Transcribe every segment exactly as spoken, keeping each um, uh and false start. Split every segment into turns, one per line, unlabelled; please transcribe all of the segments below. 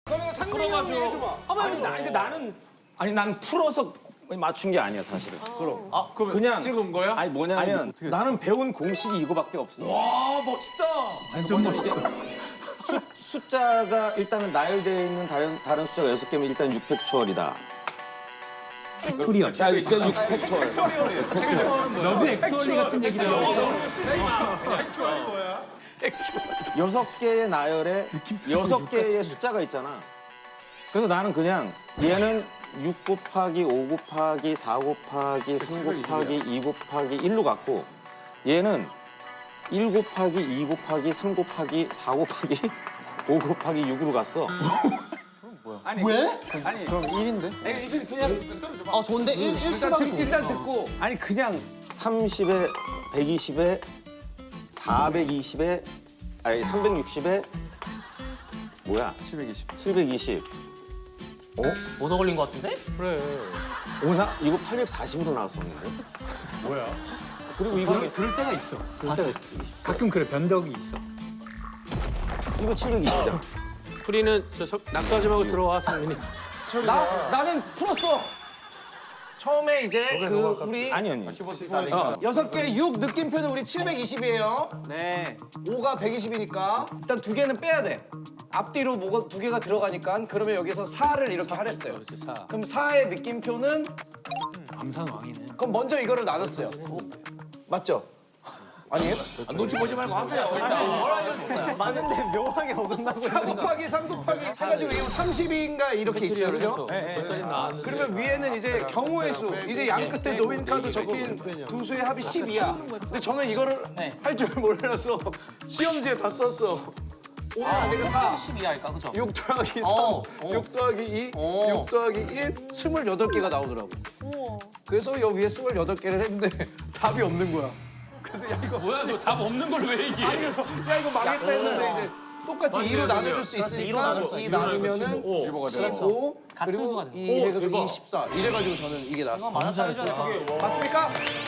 그러면 상민이 형이 해줘봐.
아니, 나, 그러니까 나는 아니 난 풀어서 맞춘 게 아니야 사실은.
그럼.
아, 그러면
그냥
찍은 거야?
아니 뭐냐면 나는 배운 공식이 이거밖에 없어.
와 멋있다.
완전 멋있어. 수, 숫자가 일단은 나열되어 있는 다른, 다른 숫자가 여섯 개면 일단 육백 추월이다. 팩토리얼. 자, 일단 육백 추월.
너무 액츄얼리 같은 얘기를 하고
백추월이 뭐야?
여섯 개의 나열에 여섯 개의 숫자가 있잖아. 그래서 나는 그냥 얘는 육 곱하기 오 곱하기 사 곱하기 삼 곱하기 이 곱하기 일로 갔고 얘는 일 곱하기 이 곱하기 삼 곱하기 사 곱하기 오 곱하기 육으로 갔어.
아니, 왜?
아니
그럼 일인데?
아니, 이거 그냥
어 좋은데 일
일단,
일수가
듣, 일단 듣고.
아니 그냥 삼십에 백이십에 사백이십에 아니 삼백육십에 뭐야?
칠백이십.
칠백이십.
못 어울린 것 같은데?
오나 이거 팔백사십으로 나왔었는데.
뭐야?
그리고 이거는
그럴 때가 있어. 봤어. 가끔 그래 변덕이 있어.
이거 칠백이십이잖아.
프리는 저 서- 낙서하지 말고 들어와 상민이.
나 나는 풀었어. 처음에 이제 그 우리
아니 아니.
여섯 개 육 느낌표는 우리 칠백이십이에요.
네.
오가 백이십이니까 일단 두 개는 빼야 돼. 앞뒤로 뭐가 두 개가 들어가니까 그러면 여기서 사를 이렇게 하랬어요.
사.
그럼 사의 느낌표는
암산 왕이네.
그럼 먼저 이거를 나눴어요. 맞죠? 아니에요?
아, 눈치 보지 말고 하세요.
맞는데 묘하게 어긋나고
사 곱하기 삼 곱하기 해가지고 이거 삼십인가 이렇게 있어요, 그죠? 그러면 위에는 이제 경우의 수, 이제 양 끝에 노인 카드 적힌 두 수의 합이 십이야. 근데 저는 이거를
네.
할 줄 몰라서 시험지에 다 썼어. 오늘
아,
내가 사,
십이 할까 그죠?
육 더하기
어,
삼,
어.
육 더하기 이,
어.
육 더하기 일, 스물여덟 개가 나오더라고. 그래서 여 위에 스물여덟 개를 했는데 답이 없는 거야. 그래서 야 이거
뭐야 너 답 없는 걸 왜 얘기해?
아니 그래서 야 이거 망했다 했는데 이제 똑같이 이로 나눠줄 수 있으니까
나눌 수
이
있어.
나누면은
오.
십오
같은
그리고
수가 돼.
이
오,
해가지고
대박.
이 십사 이래가지고 저는 이게 나왔어.
맞았다 해줘야
맞습니까?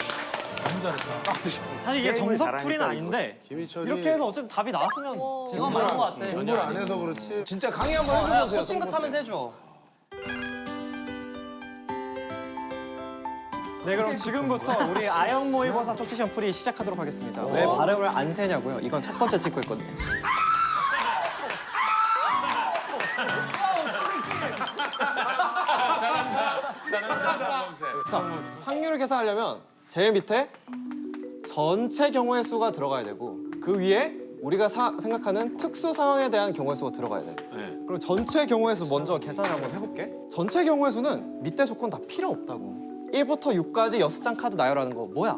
사실 이게 정석풀이는 아닌데 이렇게 해서 어쨌든 답이 나왔으면
이건 맞는 것 같아.
공부를 안 해서 그렇지.
진짜 강의 한번
야,
해줘보세요.
코칭 같 하면서 해줘.
네 그럼 지금부터 우리 아영 모의고사 쪽지시험 풀이 시작하도록 하겠습니다. 왜 발음을 안 세냐고요? 이건 첫 번째 찍고 있거든요. 자, 확률을 계산하려면 제일 밑에 전체 경우의 수가 들어가야 되고 그 위에 우리가 사- 생각하는 특수 상황에 대한 경우의 수가 들어가야 돼. 그럼 전체 경우의 수 먼저 계산을 한번 해볼게. 전체 경우의 수는 밑에 조건 다 필요 없다고. 일부터 육까지 여섯 장 카드 나열하는 거 뭐야?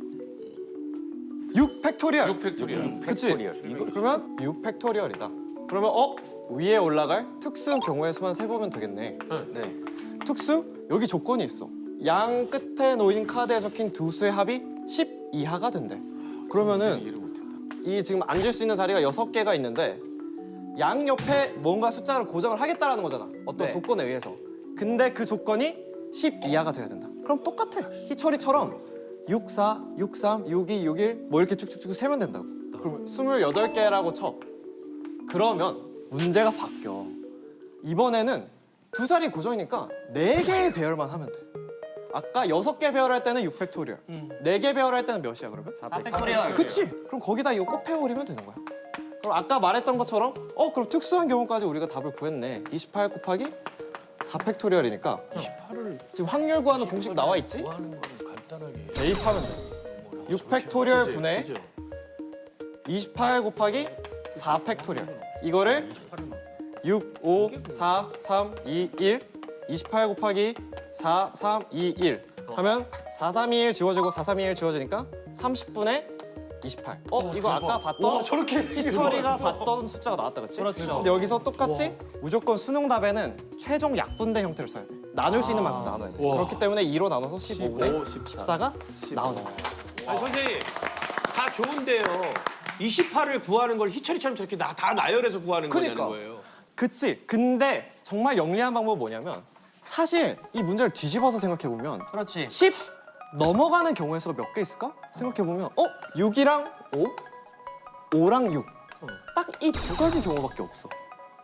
육 팩토리얼.
육 팩토리얼.
그치? 그러면 육 팩토리얼이다. 그러면 어? 위에 올라갈 특수 경우의 수만 세보면 되겠네.
네.
특수? 여기 조건이 있어. 양 끝에 놓인 카드에 적힌 두 수의 합이 십 이하가 된대. 그러면은 이 지금 앉을 수 있는 자리가 여섯 개가 있는데 양 옆에 뭔가 숫자를 고정을 하겠다라는 거잖아. 어떤
네.
조건에 의해서. 근데 그 조건이 십 이하가 돼야 된다. 그럼 똑같아. 희철이처럼 육, 사, 육, 삼, 육, 이, 육, 일 뭐 이렇게 쭉쭉쭉 세면 된다고. 그러면 스물여덟 개라고 쳐. 그러면 문제가 바뀌어. 이번에는 두 자리 고정이니까 네 개의 배열만 하면 돼. 아까 여섯 개 배열할 때는 육 팩토리얼. 네 개 배열할 때는 몇이야 그러면?
사 팩토리얼.
그치? 그럼 거기다 이거 곱해버리면 되는 거야. 그럼 아까 말했던 것처럼 어 그럼 특수한 경우까지 우리가 답을 구했네. 이십팔 곱하기 사 팩토리얼이니까 지금 확률 구하는 공식 나와 있지? 대입하면 돼. 육 팩토리얼 분의 이십팔 곱하기 사 팩토리얼. 이거를 육, 오, 사, 삼, 이, 일 이십팔 곱하기 사, 삼, 이, 일 하면 사, 삼, 이, 일 지워지고 사, 삼, 이, 일 지워지니까 삼십 분의 이십팔. 어, 이거 아까 봤던
저렇게
희철이가 봤던 숫자가 나왔다, 그치?
그렇죠.
근데 여기서 똑같이 무조건 수능 답에는 최종 약분된 형태를 써야 돼. 나눌 수 있는 만큼 나눠야 돼. 그렇기 때문에 이로 나눠서 십오분의 십사가 나오는 거야.
아니, 선생님 다 좋은데요. 이십팔을 구하는 걸 희철이처럼 저렇게 나, 다 나열해서 구하는
그러니까.
거냐는 거예요.
그치? 근데 정말 영리한 방법은 뭐냐면 사실 이 문제를 뒤집어서 생각해보면
그렇지.
십 넘어가는 경우의 수가 몇 개 있을까? 생각해보면 어? 육이랑 오? 오랑 육. 딱 이 두 가지 경우밖에 없어.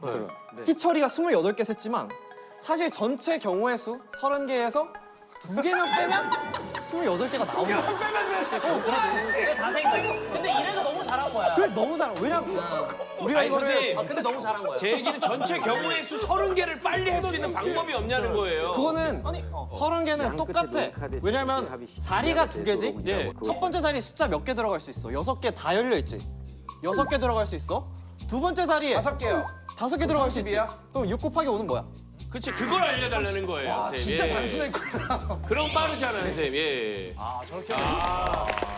희철이가 스물여덟 개 셌지만 사실 전체 경우의 수 서른 개에서 두 개만 빼면 스물여덟 개가 나오는 거야.
그게 다 생겨. 근데 이래서 너무 잘한 거야.
그래 너무 잘해. 왜냐면 우리가
아니
이거를
선생님
아, 근데 너무 잘한 거야.
제 얘기는 전체 경우의 수 서른 개를 빨리 할 수 있는 방법이 없냐는 거예요.
그거는
아니, 어.
서른 개는 똑같아. 왜냐면 자리가 두 개지.
예.
첫 번째 자리 숫자 몇 개 들어갈 수 있어? 여섯 개 다 열려 있지. 여섯 개 들어갈 수 있어. 두 번째 자리에
다섯 개요.
다섯 개 들어갈 수 있지.
삼십이야?
그럼 육 곱하기 오는 뭐야?
그치 그걸 알려달라는 거예요. 선생님.
진짜
예.
단순했구나.
그럼 빠르잖아요, 선생님. 예.
아 저렇게.